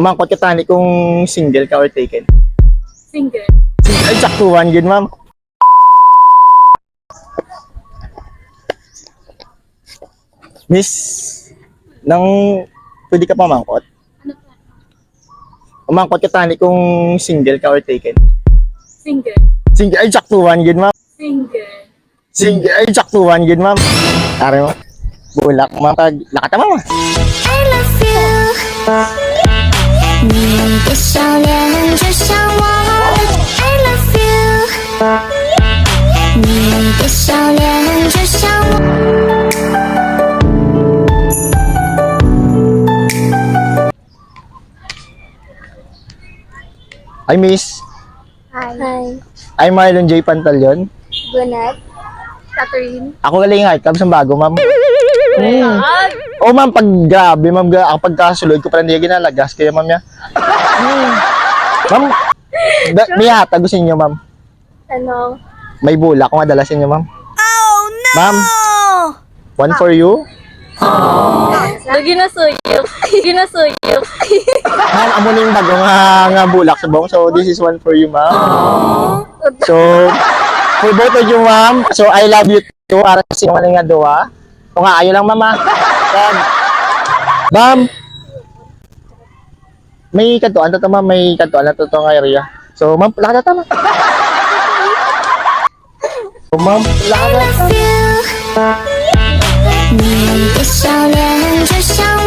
Umangkot ka tani kung single ka or taken. Single. Ay, saktuhan yun, ma'am. Miss, nang pwede ka pa mangkot? Ano pa? Umangkot ka tani kung single ka or taken. Single. Single, ay, saktuhan yun, ma'am. Single. Single, ay, saktuhan yun, ma'am. Tari mo. Bulak, ma'am. Lakata, ma'am. I love you，你的笑脸就像我，I love you，你的笑脸就像我。 Ay, miss. Hi. Ay, Marlon J. Pantalyon. Gunat. Catherine. Ako galing nga, club sa bago, ma'am. Oh, ma'am, pag grabe, ma'am, ako pagkasulod ko pala hindi ginalagas, kaya ma'am ya. Ma'am, may hatag gusto niyo, ma'am. Ano? May bulak kung madala sa inyo, ma'am. Oh, no! Ma'am, one for you. Ginasuyok. Ginasuyok. Ma'am, amo na yung bago nga bulak sa bong. So, this is one for you, ma'am. So, for both of you, ma'am. So, I love you too. Para sa inyo nga doa. O nga, ayo lang, mama. Ma'am, may kantuan to, ma'am. May kantuan na to nga area. So, ma'am, lakad na, ma'am. So, ma'am, lakad na. 你的笑脸就像